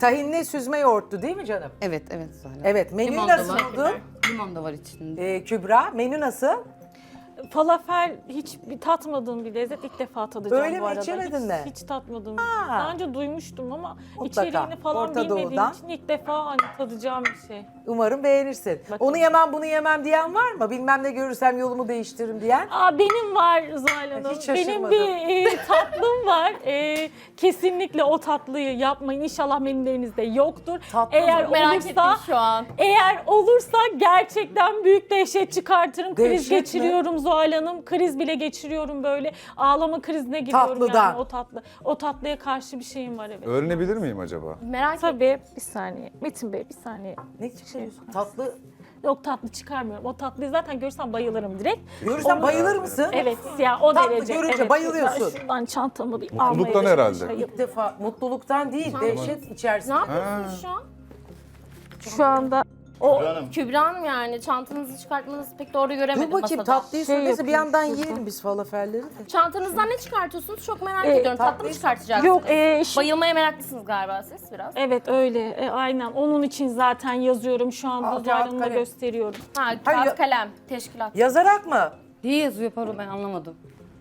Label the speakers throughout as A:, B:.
A: tahinli süzme yoğurttu değil mi canım?
B: Evet, evet Zuhal Hanım.
A: Evet, menü
B: Limon da
A: nasıl
B: var.
A: oldu?
B: Limon da var içinde.
A: Kübra, menü nasıl?
C: Falafel hiç tatmadığım bir lezzet. İlk defa tadacağım
A: Öyle
C: bu
A: mi?
C: arada.
A: İçemedin
C: hiç,
A: mi?
C: Hiç tatmadım.
A: Ha.
C: Daha önce duymuştum ama
A: Mutlaka.
C: içeriğini falan
A: Orta
C: bilmediğim
A: Doğu'dan.
C: için ilk defa hani tadacağım bir şey.
A: Umarım beğenirsin.
C: Bakalım.
A: Onu yemem, bunu yemem diyen var mı? Bilmem ne görürsem yolumu değiştiririm diyen.
C: Benim var Zuhal Hanım.
A: Hiç
C: Benim
A: şaşırmadım.
C: bir tatlım var. Kesinlikle o tatlıyı yapmayın. İnşallah menülerinizde yoktur.
A: Tatlı
C: Eğer
A: mı?
D: Merak
C: olursa,
D: ettim şu an.
C: eğer olursa gerçekten büyük dehşet çıkartırım. Kriz
A: Dehşet mi?
C: geçiriyorum Zuhal Hanım. Kriz bile geçiriyorum böyle. Ağlama krizine giriyorum
A: Tatlıdan.
C: yani o tatlıya karşı bir şeyim var evet.
E: Öğrenebilir miyim acaba?
D: Merak ettim.
C: Tabii bir saniye. Metin Bey bir saniye.
A: Ne çıkarıyorsun? Tatlı.
C: Yok tatlı çıkarmıyorum. O tatlıyı zaten görsem bayılırım direkt.
A: Görürsen bayılır mısın?
C: Evet ya o
A: Tatlı
C: derece.
A: görünce
C: evet.
A: bayılıyorsun.
C: Şuradan çantamı bir
E: Mutluluktan
C: almaya
E: herhalde.
C: çalışayım.
A: İlk defa mutluluktan değil, dehşet
D: Ne
A: içerisinde.
D: yapıyorsunuz şu an?
C: Şu anda o
D: Kübra Hanım yani çantanızı çıkartmanızı pek doğru göremedim
A: Dur bakayım
D: masada.
A: tatlıyı
C: Şey
A: söylese bir
C: yapayım,
A: yandan
C: şuradan.
A: yiyelim biz falafelleri de.
D: Çantanızdan ne çıkartıyorsunuz? Çok merak ediyorum. Tatlı mı
A: tatlıyı-
D: çıkartacaksınız?
C: yok
D: Bayılmaya meraklısınız galiba siz biraz.
C: evet öyle aynen onun için zaten yazıyorum şu anda
A: Kağıt,
C: Zuhal Hanım'a
A: kalem.
C: gösteriyorum.
D: Ha,
A: Hayır,
D: kağıt kalem, teşkilat.
A: Yazarak mı?
B: Niye yazıyor pardon ben anlamadım.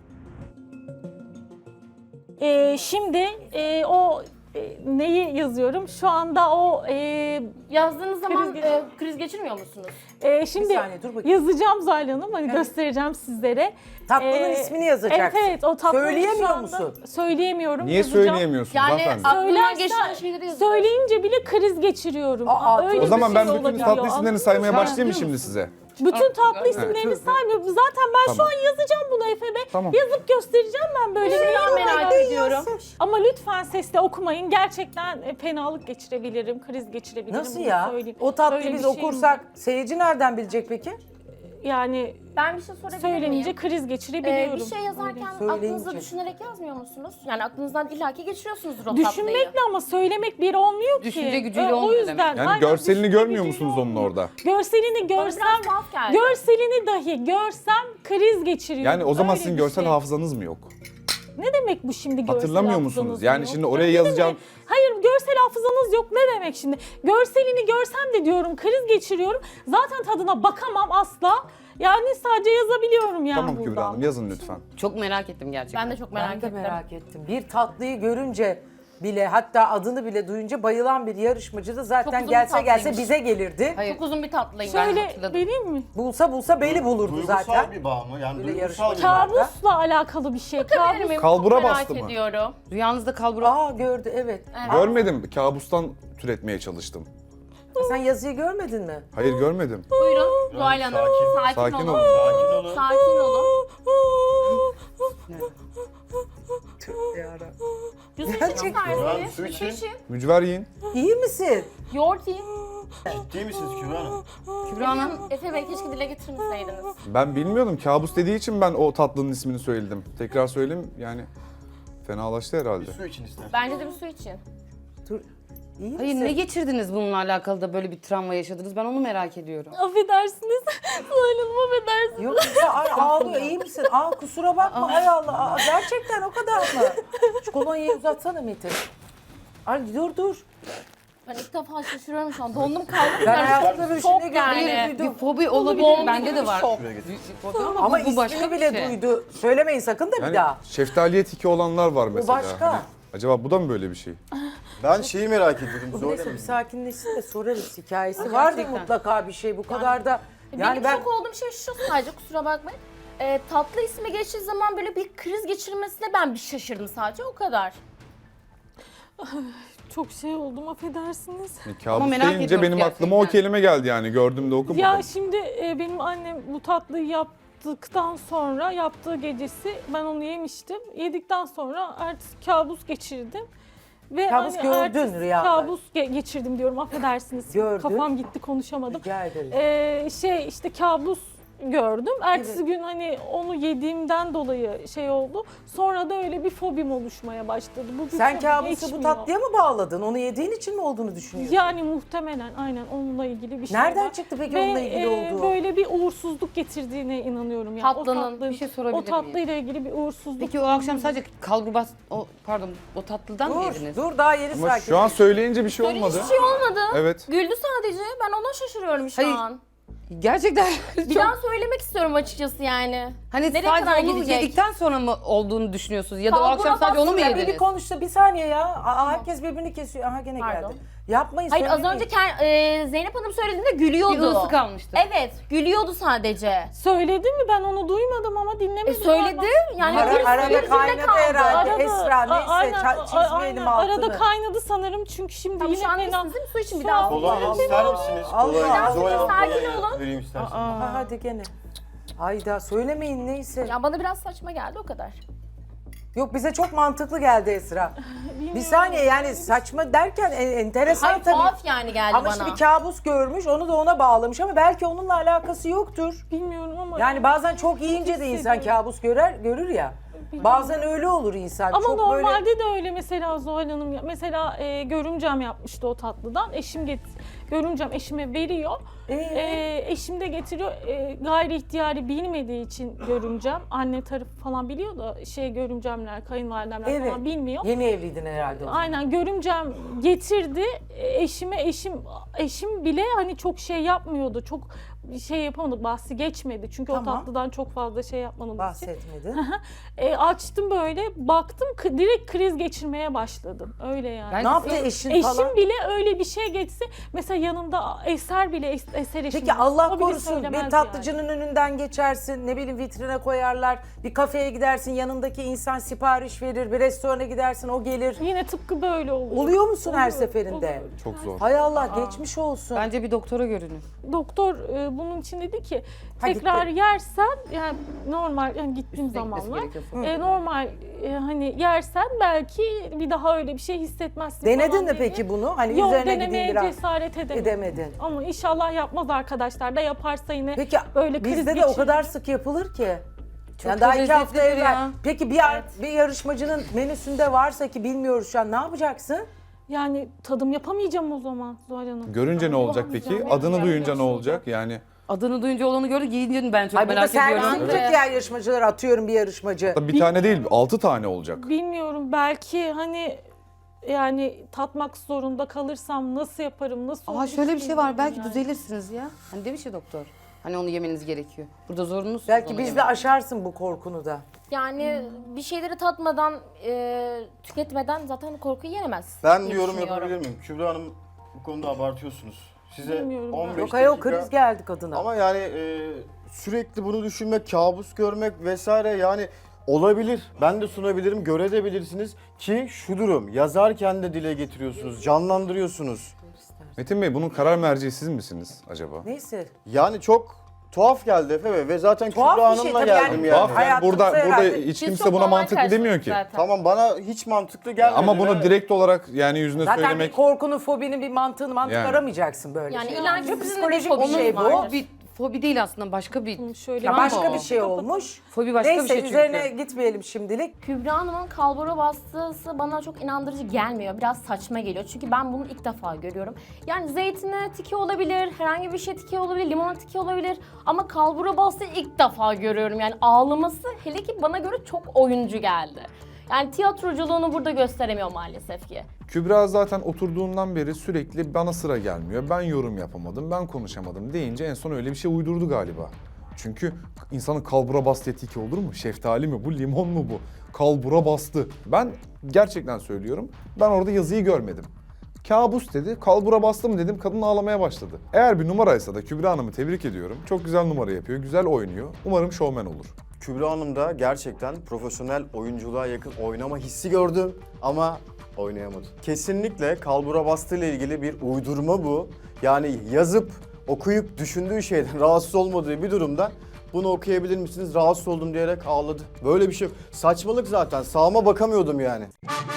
C: Şimdi o neyi yazıyorum? Şu anda o
D: Yazdığınız zaman
C: Kriz
D: kriz geçirmiyor musunuz?
C: şimdi
A: Bir saniye, dur bakayım.
C: yazacağım Zuhal Hanım hani göstereceğim sizlere.
A: Tatlının ismini yazacaksın.
C: Evet evet o tatlıyı
A: Söyleyemiyor
C: şu anda
A: musun?
C: Söyleyemiyorum.
E: Niye
C: yazacağım.
E: söyleyemiyorsunuz
D: Yani
E: hanımefendi?
D: aklından
C: Söylersen-
D: geçen şeyleri yazıyor.
C: Söyleyince bile kriz geçiriyorum.
A: Öyle
E: O zaman
C: bir
E: ben
C: şey
E: bütün
C: olabiliyor,
E: tatlı isimlerini
C: anladın
E: saymaya
C: mı?
E: başlayayım mı şimdi size?
C: Bütün tatlı isimlerini saymıyorum. Zaten ben şu
E: Tamam.
C: an yazacağım bunu Efe Bey.
E: Tamam.
C: Yazıp göstereceğim ben böyle.
D: Merak ediyorum.
C: Ama lütfen sesle okumayın. Gerçekten fenalık geçirebilirim, kriz geçirebilirim.
A: Nasıl
C: bunu
A: ya?
C: söyleyeyim.
A: O tatlıyı
C: Böyle
A: biz
C: bir şeyim
A: okursak
C: var.
A: seyirci nereden bilecek peki?
C: Yani
D: Ben bir şey sorabilir
C: söylenince
D: miyim?
C: kriz geçirebiliyorum.
D: Bir şey yazarken
A: Söyleyince.
D: aklınızda düşünerek yazmıyor musunuz? Yani aklınızdan illaki geçiriyorsunuzdur o tatlıyı.
C: Düşünmekle ama söylemek bir olmuyor ki.
B: Düşünce gücüyle
C: O
B: olmuyor
C: yüzden.
E: Yani
C: aynen,
E: görselini
C: düşünce
E: görmüyor
C: gücüyle
E: musunuz onun
C: olmuyor.
E: orada?
C: Görselini
D: Bana
C: görsem,
D: biraz tuhaf geldi.
C: görselini dahi görsem kriz geçiriyorum.
E: Yani o zaman
C: Öyle
E: sizin
C: bir
E: görsel
C: şey.
E: hafızanız mı yok?
C: Ne demek bu şimdi görsel
E: Hatırlamıyor
C: hafızanız
E: musunuz? Yani
C: yok?
E: şimdi oraya
C: Ne
E: yazacağım.
C: demek? Hayır görsel hafızanız yok ne demek şimdi? Görselini görsem de diyorum kriz geçiriyorum. Zaten tadına bakamam asla. Yani sadece yazabiliyorum yani
E: Tamam Kübra
C: buradan.
E: Hanım yazın lütfen.
B: Çok merak ettim gerçekten.
D: Ben de çok merak
A: Ben de
D: ettim.
A: merak ettim. Bir tatlıyı görünce bile hatta adını bile duyunca bayılan bir yarışmacı da
D: Çok
A: zaten
D: uzun
A: gelse
D: bir
A: gelse
D: tatlıymış.
A: bize gelirdi.
B: Hayır.
D: Çok uzun bir tatlıyım.
C: Şöyle
B: hatırladım.
C: vereyim mi?
A: Bulsa beli bulurdu
F: Duygusal
A: zaten.
F: bir bağ mı? Yani
A: Böyle
F: duygusal bir
A: yarışma.
F: bağ.
C: Kabusla alakalı bir şey. Kabus.
D: Benim
E: Kalbura
D: çok merak
E: bastı mı?
D: ediyorum.
B: Rüyanızda kalbura...
A: Aa gördü evet.
E: Görmedim. Kabustan türetmeye çalıştım.
A: Sen yazıyı görmedin mi?
E: Hayır görmedim.
D: Buyurun Zuhal Hanım.
F: sakin.
D: Sakin
E: Sakin
D: olun.
E: olun.
F: Sakin olun.
D: Sakin olun. Yüzünüzü
A: Gerçekten.
D: çıkarsınız.
F: Su için.
E: Mücver yiyin.
A: İyi misin?
D: Yoğurt yiyin.
F: Ciddi misiniz Kübra Hanım?
B: Kübra Hanım
D: Efe Bey keşke dile getirmeseydiniz.
E: Ben bilmiyordum. Kabus dediği için ben o tatlının ismini söyledim. Tekrar söyleyeyim yani fenalaştı herhalde.
F: Su için ister.
D: Bence de bir su için.
A: Dur. İyi
B: hayır
A: misin?
B: ne geçirdiniz bununla alakalı da böyle bir travma yaşadınız? Ben onu merak ediyorum.
C: Affedersiniz. Zuhal Hanım affedersiniz.
A: Yok ya ay, ağlıyor iyi misin? Aa kusura bakma ay Allah. Aa, gerçekten o kadar mı? Şu kolonyayı uzatsana Metin. Ay dur.
D: Ben ilk defa şaşırıyorum şu an. Dondum kaldım.
A: Ben hayatımda böyle
D: Şok
A: şey
D: yani.
A: yani.
B: Bir fobi olabilir.
D: Bomba
B: Bende
D: gibi
B: de var.
D: şok.
B: Bir fobi
A: Ama
B: bu başka
A: ismini
B: bir
A: bile
B: şey.
A: duydu. Söylemeyin sakın da bir
E: Yani
A: daha.
E: şeftaliye tiki olanlar var mesela.
A: başka.
E: Hani acaba bu da mı böyle bir şey?
F: Ben şeyi merak ediyordum.
A: Bu
F: Zuhal
A: neyse bir
F: Hanım.
A: sakinleşsin de sorarız hikayesi. Vardır
B: Gerçekten.
A: mutlaka bir şey bu kadar da. Yani
D: Benim
A: ben
D: şok olduğum şey şu sadece kusura bakmayın. Tatlı ismi geçtiği zaman böyle bir kriz geçirmesine ben bir şaşırdım sadece o kadar.
C: Çok şey oldum affedersiniz.
E: Yani kabus
B: merak
E: deyince
B: ediyorum
E: benim aklıma o
B: gerçekten.
E: kelime geldi yani. Gördüğümde okumadım.
C: Ya şimdi benim annem bu tatlıyı yaptıktan sonra yaptığı gecesi ben onu yemiştim. Yedikten sonra ertesi kabus geçirdim. Ve
A: Kabus gördün
C: ertesi
A: rüyada.
C: Kabus geçirdim diyorum affedersiniz.
A: Gördün.
C: Kafam gitti konuşamadım.
A: rica ederim.
C: İşte kabus gördüm. Ertesi gün hani onu yediğimden dolayı şey oldu. Sonra da öyle bir fobim oluşmaya başladı. Bu bir
A: Sen
C: fobi
A: kabusu bu
C: geçmiyor.
A: tatlıya mı bağladın? Onu yediğin için mi olduğunu düşünüyorsun?
C: Yani muhtemelen aynen onunla ilgili bir şey
A: Nereden
C: var.
A: çıktı peki
C: Ve
A: onunla ilgili olduğu?
C: böyle bir uğursuzluk getirdiğine inanıyorum. Yani
D: Tatlının.
B: Bir şey sorabilir
C: o
B: miyim?
C: tatlıyla ilgili bir uğursuzluk.
B: Peki o akşam sadece kalbubas, o tatlıdan mı yediniz?
A: Dur daha yeni
E: Ama
A: sakin.
E: şu an söyleyince bir şey
D: Böyle
E: olmadı.
D: hiçbir şey olmadı.
E: Evet.
D: Güldü sadece. Ben ona şaşırıyorum şu
B: Hayır,
D: an.
B: Gerçekten
D: Bir daha söylemek istiyorum açıkçası yani.
B: hani
D: Nereye
B: sadece
D: kadar
B: onu
D: gidecek?
B: yedikten sonra mı olduğunu düşünüyorsunuz? Ya da o
D: Kalbura
B: akşam sadece onu mu
A: Ya bir
B: yediniz?
A: konuşsa bir saniye ya. Herkes birbirini kesiyor. Aha gene
D: Pardon.
A: geldi. Yapmayın
D: Hayır az
A: söylemeyin.
D: önce Zeynep Hanım söylediğinde
B: Bir
D: gülüyordu.
B: ısı kalmıştı.
D: Evet, gülüyordu sadece.
C: Söyledi mi? Ben onu duymadım ama dinlemedim.
D: Söyledi. Yani
A: Arada
D: bir
A: kaynadı herhalde. Esra neyse
C: aynen,
A: çizmeyelim altını.
C: arada kaynadı sanırım çünkü şimdi
D: Tamam,
C: yine
D: şu an
C: fena.
D: iyisiniz değil mi? Su için bir
C: Şu
D: daha.
C: an-
F: Kolonya ister misiniz?
A: Allah
F: Kolonya.
A: Allah.
F: Zuhal Hanım
D: Sakin
F: kolonya
D: olun.
F: vereyim isterseniz.
A: Ha, hadi gene. Hayda söylemeyin neyse.
D: Ya bana biraz saçma geldi o kadar.
A: Yok bize çok mantıklı geldi Esra. Bir
C: Bilmiyorum.
A: saniye yani saçma derken enteresan
D: Hayır
A: tabii.
D: tuhaf yani geldi
A: Ama
D: bana.
A: işte bir kabus görmüş onu da ona bağlamış ama belki onunla alakası yoktur.
C: Bilmiyorum ama.
A: Yani bazen çok yiyince de insan kabus görür ya. Bazen öyle olur insan.
C: Ama
A: çok
C: normalde
A: böyle...
C: de öyle mesela Zuhal Hanım. Mesela görümcem yapmıştı o tatlıdan. Görümcem eşime veriyor. Eşim de getiriyor. Gayri ihtiyari bilmediği için görümcem. Anne tarafı falan biliyor da görümcemler, kayınvalidemler
A: Evet.
C: falan bilmiyor.
A: Yeni evliydin herhalde o zaman.
C: Aynen görümcem getirdi. Eşim bile hani çok şey yapmıyordu. Çok şey yapamadı, bahsi geçmedi. Çünkü o
A: Tamam.
C: tatlıdan çok fazla şey yapmadığımız için.
A: Bahsetmedi.
C: Açtım böyle, baktım direkt kriz geçirmeye başladım. Öyle yani.
B: Ben-
A: Ne yaptı eşin
C: Eşim
A: falan?
C: bile öyle bir şey geçse, mesela yanımda Eser bile, Eser eşim.
A: Peki Allah
C: o bile
A: korusun
C: söylemez
A: bir tatlıcının önünden geçersin, ne bileyim vitrine koyarlar, bir kafeye gidersin yanındaki insan sipariş verir, bir restorana gidersin o gelir.
C: Yani. Yine tıpkı böyle oluyor.
A: Oluyor musun her
C: Oluyor,
A: seferinde?
C: oluyor.
E: Çok zor.
A: Hay Allah geçmiş olsun.
B: Bence bir doktora görünün.
C: Doktor bunun için dedi ki
A: Ha,
C: tekrar
A: gitti.
C: yersen yani normal yani gittiğim
B: Üstüne gitmesi
C: zamanlar
B: gerekiyor.
C: normal hani yersen belki bir daha öyle bir şey hissetmezsin
A: Denedin
C: falan
A: mi
C: dedi.
A: peki bunu? Hani
C: Yok,
A: üzerine
C: denemeye
A: gideyim biraz.
C: cesaret edemedim.
A: Edemedin.
C: Ama inşallah yapmaz arkadaşlar da yaparsa yine
A: Peki
C: böyle kriz
A: bizde de o
C: geçirir.
A: kadar sık yapılır ki.
B: Çok
A: Yani daha 2 hafta
B: lezzetlidir
A: evvel.
B: ya.
A: Peki bir yarışmacının menüsünde varsa ki bilmiyoruz şu an ne yapacaksın?
C: Yani tadım yapamayacağım o zaman Zuhal Hanım.
E: Görünce ne olacak peki?
C: Bulamayacağım.
E: Adını duyunca ne olacak? Yani
B: Adını duyunca olanı gördü, giyince ben çok
A: Ay burada
B: merak
A: servis
B: ediyorum.
A: yapacak diğer yarışmacılar atıyorum bir yarışmacı.
E: bir tane değil 6 tane olacak.
C: Bilmiyorum belki hani yani tatmak zorunda kalırsam nasıl yaparım, nasıl olur
B: Şöyle bir
C: hiç
B: şey var,
C: bilmiyorum
B: belki
C: yani.
B: düzelirsiniz ya. Hani demiş ya doktor. Hani onu yemeniz gerekiyor. Burada zorunlusunuz
A: Belki
B: onu
A: bizde
B: yemek.
A: aşarsın bu korkunu da.
D: Yani bir şeyleri tatmadan, tüketmeden zaten korkuyu yenemez.
F: Ben
D: diye
F: bir yorum
D: düşünüyorum.
F: yapabilir miyim? Kübra Hanım bu konuda abartıyorsunuz. Size
C: Bilmiyorum ben.
F: 15
A: Yok ayol
F: dakika...
A: kriz geldi kadına.
F: Ama yani sürekli bunu düşünmek, kabus görmek vesaire yani olabilir. Ben de sunabilirim, görebilirsiniz ki şu durum yazarken de dile getiriyorsunuz, canlandırıyorsunuz.
E: Metin Bey bunun karar merci siz misiniz acaba?
A: Neyse.
F: Yani çok tuhaf geldi Efe Bey ve zaten
A: Tuhaf
F: Kübra
A: bir şey
F: Hanım'la
A: tabii
F: geldim
A: yani.
F: yani.
E: Tuhaf yani
A: Hayatımıza
E: burada
A: herhalde-
E: hiç
D: Biz
E: kimse
D: çok
E: buna
D: normal
E: mantıklı demiyor ki.
D: karşıladık zaten.
F: Tamam bana hiç mantıklı gelmedi.
E: Ama bunu
F: ve-
E: direkt olarak yani yüzüne
A: Zaten
E: söylemek...
A: bir korkunun, fobinin bir mantığını
E: Yani.
A: aramayacaksın böyle.
D: Yani
A: şey.
D: illa ki
A: Çünkü
D: sizin de
A: psikolojik
D: bir
A: bir
D: fobiniz
A: şey bu.
D: vardır.
B: O bir fobi değil aslında, başka bir...
C: Şöyle
A: Ya
B: Tamam
A: başka
B: mı
A: bir
B: o?
A: şey olmuş.
B: Fobi başka
A: Neyse
B: bir şey çünkü.
A: üzerine gitmeyelim şimdilik.
D: Kübra Hanım'ın kalbura bastısı bana çok inandırıcı gelmiyor. Biraz saçma geliyor. Çünkü ben bunu ilk defa görüyorum. Yani zeytine tiki olabilir, herhangi bir şey tiki olabilir, limon tiki olabilir. Ama kalbura bastığı ilk defa görüyorum. Yani ağlaması hele ki bana göre çok oyuncu geldi. Yani tiyatroculuğunu burada gösteremiyor maalesef ki.
E: Kübra zaten oturduğundan beri sürekli bana sıra gelmiyor. Ben yorum yapamadım, ben konuşamadım deyince en son öyle bir şey uydurdu galiba. Çünkü insanın kalbura bastı etiki olur mu? Şeftali mi bu, limon mu bu? Kalbura bastı. Ben gerçekten söylüyorum, ben orada yazıyı görmedim. Kabus dedi, kalbura bastı mı dedim, kadın ağlamaya başladı. Eğer bir numaraysa da Kübra Hanım'ı tebrik ediyorum. Çok güzel numara yapıyor, güzel oynuyor. Umarım şovmen olur.
F: Kübra Hanım'da gerçekten profesyonel oyunculuğa yakın oynama hissi gördüm ama oynayamadı. Kesinlikle kalbura bastığı ile ilgili bir uydurma bu. Yani yazıp, okuyup düşündüğü şeyden rahatsız olmadığı bir durumda bunu okuyabilir misiniz? Rahatsız oldum diyerek ağladı. Böyle bir şey yok. Saçmalık zaten. Sağıma bakamıyordum yani.